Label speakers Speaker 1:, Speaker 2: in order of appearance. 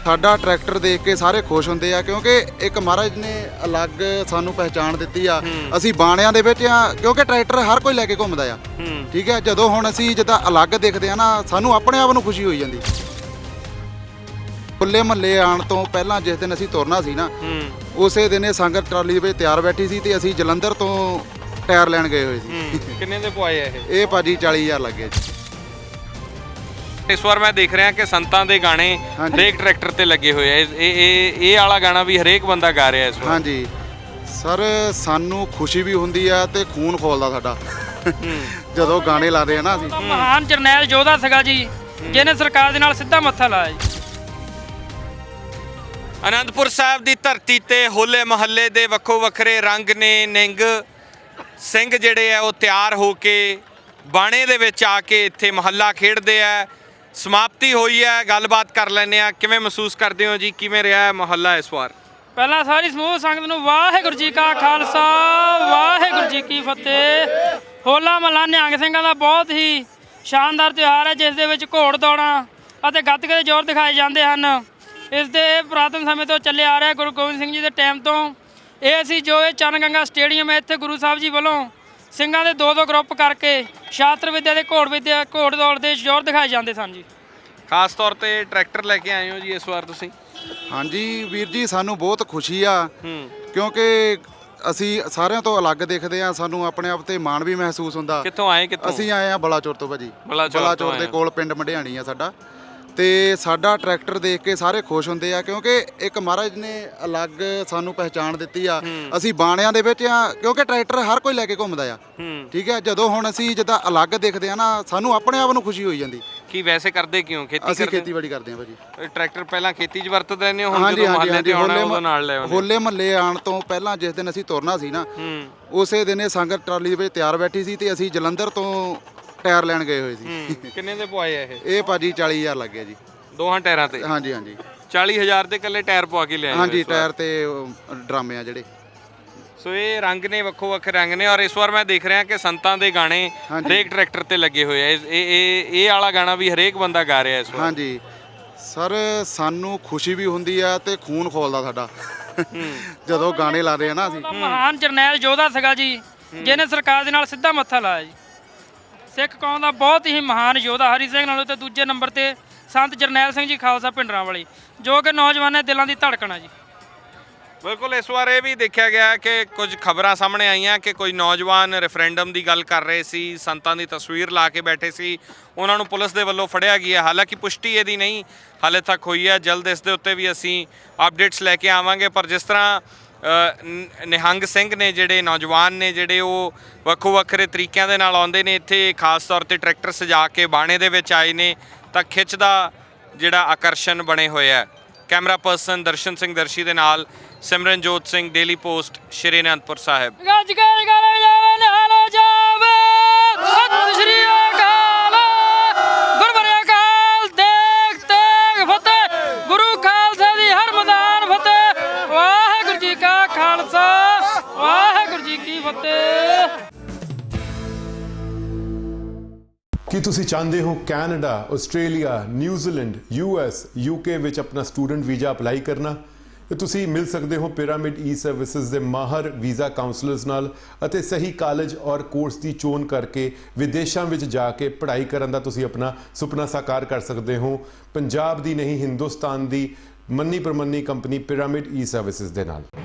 Speaker 1: ਸਾਡਾ ਟਰੈਕਟਰ ਦੇਖ ਕੇ ਸਾਰੇ ਖੁਸ਼ ਹੁੰਦੇ ਆ ਕਿਉਂਕਿ ਇੱਕ ਮਹਾਰਾਜ ਨੇ ਅਲੱਗ ਸਾਨੂੰ ਪਹਿਚਾਣ ਦਿੱਤੀ ਆ। ਅਸੀਂ ਬਾਣਿਆਂ ਦੇ ਵਿੱਚ ਆ ਕਿਉਂਕਿ ਟਰੈਕਟਰ ਹਰ ਕੋਈ ਲੈ ਕੇ ਘੁੰਮਦਾ ਆ। ਠੀਕ ਹੈ, ਜਦੋਂ ਹੁਣ ਅਸੀਂ ਜਿੱਦਾਂ ਅਲੱਗ ਦਿਖਦੇ ਆ ਨਾ, ਸਾਨੂੰ ਆਪਣੇ ਆਪ ਨੂੰ ਖੁਸ਼ੀ ਹੋਈ ਜਾਂਦੀ। ਖੁੱਲੇ ਮਹੱਲੇ ਆਉਣ ਤੋਂ ਪਹਿਲਾਂ ਜਿਸ ਦਿਨ ਅਸੀਂ ਤੁਰਨਾ ਸੀ ਨਾ, ਉਸੇ ਦਿਨ ਇਹ ਸੰਗਤ ਟਰਾਲੀ ਦੇ ਵਿੱਚ ਤਿਆਰ ਬੈਠੀ ਸੀ ਤੇ ਅਸੀਂ ਜਲੰਧਰ ਤੋਂ ਟਾਇਰ ਲੈਣ ਗਏ ਹੋਏ ਸੀ।
Speaker 2: ਕਿੰਨੇ ਦੇ ਪਵਾਏ ਆ
Speaker 1: ਇਹ ਭਾਜੀ 40,000 ਲੱਗੇ ਜੀ।
Speaker 2: ਇਸ ਵਾਰ ਮੈਂ ਦੇਖ ਰਿਹਾ ਕਿ ਸੰਤਾਂ ਦੇ ਗਾਣੇ ਹਰੇਕ ਟਰੈਕਟਰ ਤੇ ਲੱਗੇ ਹੋਏ ਆ। ਇਹ ਵਾਲਾ ਗਾਣਾ ਵੀ ਹਰੇਕ ਬੰਦਾ ਗਾ ਰਿਹਾ ਇਸ ਵਾਰ।
Speaker 1: ਹਾਂਜੀ ਸਰ, ਸਾਨੂੰ ਖੁਸ਼ੀ ਵੀ ਹੁੰਦੀ ਆ ਤੇ ਖੂਨ ਖੋਲਦਾ ਸਾਡਾ ਜਦੋਂ ਗਾਣੇ ਲਾਦੇ ਆ ਨਾ ਅਸੀਂ।
Speaker 3: ਮਹਾਨ ਜਰਨੈਲ ਯੋਧਾ ਸੀਗਾ ਜੀ, ਜਿਹਨੇ ਸਰਕਾਰ ਦੇ ਨਾਲ ਸਿੱਧਾ ਮੱਥਾ ਲਾਇਆ ਜੀ।
Speaker 2: ਅਨੰਦਪੁਰ ਸਾਹਿਬ ਦੀ ਧਰਤੀ ਤੇ ਹੋਲੇ ਮਹੱਲੇ ਦੇ ਵੱਖੋ ਵੱਖਰੇ ਰੰਗ ਨੇ। ਨਿੰਗ ਸਿੰਘ ਜਿਹੜੇ ਆ ਉਹ ਤਿਆਰ ਹੋ ਕੇ ਬਾਣੇ ਦੇ ਵਿੱਚ ਆ ਕੇ ਇੱਥੇ ਮਹੱਲਾ ਖੇਡਦੇ ਆ। ਸਮਾਪਤੀ ਹੋਈ ਹੈ, ਗੱਲਬਾਤ ਕਰ ਲੈਂਦੇ ਆ। ਕਿਵੇਂ ਮਹਿਸੂਸ ਕਰਦੇ ਹੋ ਜੀ, ਕਿਵੇਂ ਰਿਹਾ ਹੈ ਮਹੱਲਾ ਇਸ ਵਾਰ?
Speaker 3: ਪਹਿਲਾਂ ਸਾਰੀ ਸਮੂਹ ਸੰਗਤ ਨੂੰ ਵਾਹਿਗੁਰੂ ਜੀ ਕਾ ਖਾਲਸਾ ਵਾਹਿਗੁਰੂ ਜੀ ਕੀ ਫਤਿਹ। ਹੋਲਾ ਮਹੱਲਾ ਨਿਹੰਗ ਸਿੰਘਾਂ ਦਾ ਬਹੁਤ ਹੀ ਸ਼ਾਨਦਾਰ ਤਿਉਹਾਰ ਹੈ, ਜਿਸ ਦੇ ਵਿੱਚ ਘੋੜ ਦੌੜਾਂ ਅਤੇ ਗੱਤਕੇ ਦੇ ਜ਼ੋਰ ਦਿਖਾਏ ਜਾਂਦੇ ਹਨ। ਇਸ ਦੇ ਪੁਰਾਤਨ ਸਮੇਂ ਤੋਂ ਚੱਲੇ ਆ ਰਿਹਾ, ਗੁਰੂ ਗੋਬਿੰਦ ਸਿੰਘ ਜੀ ਦੇ ਟਾਈਮ ਤੋਂ। ਇਹ ਅਸੀਂ ਜੋ ਇਹ ਚਰਨ ਗੰਗਾ ਸਟੇਡੀਅਮ ਹੈ, ਇੱਥੇ ਗੁਰੂ ਸਾਹਿਬ ਜੀ ਵੱਲੋਂ ਸਿੰਘਾਂ ਦੇ ਦੋ ਗਰੁੱਪ ਕਰਕੇ ਸ਼ਾਸਤਰ ਵਿੱਦਿਆ ਤੇ ਘੋੜ ਦੌੜ ਦੇ ਜ਼ੋਰ ਦਿਖਾਏ ਜਾਂਦੇ ਸਨ ਜੀ।
Speaker 2: ਖਾਸ ਤੌਰ ਤੇ ਟਰੈਕਟਰ ਲੈ ਕੇ ਆਏ ਹੋ ਜੀ ਇਸ ਵਾਰ ਤੁਸੀਂ?
Speaker 1: ਹਾਂਜੀ ਵੀਰ ਜੀ, ਸਾਨੂੰ ਬਹੁਤ ਖੁਸ਼ੀ ਆ ਕਿਉਂਕਿ ਅਸੀਂ ਸਾਰਿਆਂ ਤੋਂ ਅਲੱਗ ਦਿਖਦੇ ਆ। ਸਾਨੂੰ ਆਪਣੇ ਆਪ ਤੇ ਮਾਣ ਵੀ ਮਹਿਸੂਸ ਹੁੰਦਾ।
Speaker 2: ਕਿੱਥੋਂ ਆਏ? ਕਿੱਥੋਂ?
Speaker 1: ਅਸੀਂ ਆਏ ਆ ਬਲਾਚੌਰ ਤੋਂ ਭਾਜੀ।
Speaker 2: ਬਲਾਚੌਰ
Speaker 1: ਦੇ ਕੋਲ ਪਿੰਡ ਮੰਡਿਆਣੀ ਆ ਸਾਡਾ। ਤੇ ਸਾਡਾ ਟਰੈਕਟਰ ਦੇਖ ਕੇ ਸਾਰੇ ਖੁਸ਼ ਹੁੰਦੇ ਆ ਕਿਉਂਕਿ ਇੱਕ ਮਹਾਰਾਜ ਨੇ ਅਲੱਗ ਸਾਨੂੰ ਪਹਿਚਾਣ ਦਿੱਤੀ ਆ। ਅਸੀਂ ਬਾਣਿਆਂ ਦੇ ਵਿੱਚ ਆ ਕਿਉਂਕਿ ਟਰੈਕਟਰ ਹਰ ਕੋਈ ਲੈ ਕੇ ਘੁੰਮਦਾ ਆ। ਠੀਕ ਹੈ, ਜਦੋਂ ਹੁਣ ਅਸੀਂ ਜਿੱਦਾਂ ਅਲੱਗ ਦਿਖਦੇ ਆ ਨਾ, ਸਾਨੂੰ ਆਪਣੇ ਆਪ ਨੂੰ ਖੁਸ਼ੀ ਹੋਈ ਜਾਂਦੀ।
Speaker 2: ਕੀ ਵੈਸੇ ਕਰਦੇ ਕਿਉਂ?
Speaker 1: ਅਸੀਂ ਖੇਤੀਬਾੜੀ ਕਰਦੇ ਆ ਭਾਜੀ।
Speaker 2: ਟਰੈਕਟਰ ਪਹਿਲਾਂ ਖੇਤੀ 'ਚ ਵਰਤਦੇ ਰਹਿੰਦੇ ਹੋ, ਹੁਣ ਜਦੋਂ ਮਹੱਲੇ ਤੇ ਆਉਣਾ ਉਹਦੇ ਨਾਲ ਲੈ ਆਉਂਦੇ?
Speaker 1: ਹੋਲੇ ਮਹੱਲੇ ਆਉਣ ਤੋਂ ਪਹਿਲਾਂ ਜਿਸ ਦਿਨ ਅਸੀਂ ਤੁਰਨਾ ਸੀ ਨਾ, ਉਸੇ ਦਿਨ ਇਹ ਸੰਗਤ ਟਰਾਲੀ ਦੇ ਵਿੱਚ ਤਿਆਰ ਬੈਠੀ ਸੀ ਤੇ ਅਸੀਂ ਜਲੰਧਰ ਤੋਂ ਟਾਇਰ ਲੈਣ ਗਏ ਹੋਏ ਸੀ।
Speaker 2: ਕਿੰਨੇ ਦੇ ਪਵਾਏ ਆ
Speaker 1: ਇਹ ਭਾਜੀ 40,000 ਲੱਗੇ ਜੀ
Speaker 2: ਦੋਹਾਂ ਟਾਇਰਾਂ ਤੇ?
Speaker 1: ਹਾਂਜੀ ਹਾਂਜੀ,
Speaker 2: 40,000 ਦੇ ਇਕੱਲੇ ਟਾਇਰ ਪਵਾ ਕੇ ਲਿਆਏ? ਹਾਂਜੀ,
Speaker 1: ਟਾਇਰ ਤੇ ਡਰਾਮੇ ਆ ਜਿਹੜੇ।
Speaker 2: ਸੋ ਇਹ ਰੰਗ ਨੇ, ਵੱਖੋ ਵੱਖਰੇ ਰੰਗ ਨੇ। ਔਰ ਇਸ ਵਾਰ ਮੈਂ ਦੇਖ ਰਿਹਾ ਕਿ ਸੰਤਾਂ ਦੇ ਗਾਣੇ ਹਰੇਕ ਟਰੈਕਟਰ ਤੇ ਲੱਗੇ ਹੋਏ ਆ। ਇਹ ਵਾਲਾ ਗਾਣਾ ਵੀ ਹਰੇਕ ਬੰਦਾ ਗਾ ਰਿਹਾ ਇਸ ਵਾਰ।
Speaker 1: ਹਾਂਜੀ ਸਰ, ਸਾਨੂੰ ਖੁਸ਼ੀ ਵੀ ਹੁੰਦੀ ਆ ਤੇ ਖੂਨ ਖੋਲਦਾ ਸਾਡਾ ਜਦੋਂ ਗਾਣੇ ਲਾਦੇ ਆ ਨਾ ਅਸੀਂ।
Speaker 3: ਮਹਾਨ ਜਰਨੈਲ ਯੋਧਾ ਸੀਗਾ ਜੀ, ਜਿਹਨੇ ਸਰਕਾਰ ਦੇ ਨਾਲ ਸਿੱਧਾ ਮੱਥਾ ਲਾਇਆ ਜੀ। ਸਿੱਖ ਕੌਮ ਦਾ ਬਹੁਤ ਹੀ ਮਹਾਨ ਯੋਧਾ। ਹਰੀ ਸਿੰਘ ਨਾਲੋਂ ਤੇ ਦੂਜੇ ਨੰਬਰ ਤੇ ਸੰਤ ਜਰਨੈਲ ਸਿੰਘ ਜੀ ਖਾਲਸਾ ਭਿੰਡਰਾਂ ਵਾਲੀ, ਜੋ ਕਿ ਨੌਜਵਾਨਾਂ ਦਿਲਾਂ ਦੀ ਧੜਕਣ ਆ ਜੀ।
Speaker 2: ਬਿਲਕੁਲ। ਇਸ ਵਾਰ ਇਹ ਵੀ ਦੇਖਿਆ ਗਿਆ ਕਿ ਕੁਝ ਖਬਰਾਂ ਸਾਹਮਣੇ ਆਈਆਂ ਕਿ ਕੋਈ ਨੌਜਵਾਨ ਰੈਫਰੈਂਡਮ ਦੀ ਗੱਲ ਕਰ ਰਹੇ ਸੀ, ਸੰਤਾਂ ਦੀ ਤਸਵੀਰ ਲਾ ਕੇ ਬੈਠੇ ਸੀ, ਉਹਨਾਂ ਨੂੰ ਪੁਲਿਸ ਦੇ ਵੱਲੋਂ ਫੜਿਆ ਗਿਆ। ਹਾਲਾਂਕਿ ਪੁਸ਼ਟੀ ਇਹਦੀ ਨਹੀਂ ਹਾਲੇ ਤੱਕ ਹੋਈ ਹੈ। ਜਲਦ ਇਸ ਦੇ ਉੱਤੇ ਵੀ ਅਸੀਂ ਅਪਡੇਟਸ ਲੈ ਕੇ ਆਵਾਂਗੇ। ਪਰ ਜਿਸ ਤਰ੍ਹਾਂ ਨਿਹੰਗ ਸਿੰਘ ਨੇ, ਜਿਹੜੇ ਨੌਜਵਾਨ ਨੇ, ਜਿਹੜੇ ਉਹ ਵੱਖੋ ਵੱਖਰੇ ਤਰੀਕਿਆਂ ਦੇ ਨਾਲ ਆਉਂਦੇ ਨੇ ਇੱਥੇ, ਖਾਸ ਤੌਰ ਤੇ ਟਰੈਕਟਰ ਸਜਾ ਕੇ ਬਾਣੇ ਦੇ ਵਿੱਚ ਆਏ ਨੇ, ਤਾਂ ਖਿੱਚ ਦਾ ਜਿਹੜਾ ਆਕਰਸ਼ਣ ਬਣੇ ਹੋਇਆ। ਕੈਮਰਾ ਪਰਸਨ ਦਰਸ਼ਨ ਸਿੰਘ ਦਰਸ਼ੀ ਦੇ ਨਾਲ ਸਿਮਰਨਜੋਤ ਸਿੰਘ, ਡੇਲੀ ਪੋਸਟ, ਸ਼੍ਰੀ ਅਨੰਦਪੁਰ ਸਾਹਿਬ।
Speaker 3: ਗੁਰੂ ਖਾਲਸਾ ਦੀ ਹਰ ਮੈਦਾਨ ਫਤਿਹ। ਵਾਹਿਗੁਰੂ ਜੀ ਕਾ ਖਾਲਸਾ ਵਾਹਿਗੁਰੂ ਜੀ ਕੀ ਫਤਿਹ।
Speaker 4: ਕੀ ਤੁਸੀਂ ਚਾਹੁੰਦੇ ਹੋ ਕੈਨੇਡਾ, ਆਸਟ੍ਰੇਲੀਆ, ਨਿਊਜ਼ੀਲੈਂਡ, US, UK ਵਿੱਚ ਆਪਣਾ ਸਟੂਡੈਂਟ ਵੀਜ਼ਾ ਅਪਲਾਈ ਕਰਨਾ? ਤੇ ਤੁਸੀਂ ਮਿਲ ਸਕਦੇ ਹੋ ਪਿਰਾਮਿਡ ਈ ਸਰਵਿਸਿਜ਼ ਦੇ ਮਾਹਰ ਵੀਜ਼ਾ ਕਾਉਂਸਲਰਸ ਨਾਲ ਅਤੇ ਸਹੀ ਕਾਲਜ ਔਰ ਕੋਰਸ ਦੀ ਚੋਣ ਕਰਕੇ ਵਿਦੇਸ਼ਾਂ ਵਿੱਚ ਜਾ ਕੇ ਪੜ੍ਹਾਈ ਕਰਨ ਦਾ ਤੁਸੀਂ ਆਪਣਾ ਸੁਪਨਾ ਸਾਕਾਰ ਕਰ ਸਕਦੇ ਹੋ ਪੰਜਾਬ ਦੀ ਨਹੀਂ, ਹਿੰਦੁਸਤਾਨ ਦੀ ਮੰਨੀ ਪ੍ਰਮੰਨੀ ਕੰਪਨੀ ਪਿਰਾਮਿਡ ਈ ਸਰਵਿਸਿਜ਼ ਦੇ ਨਾਲ।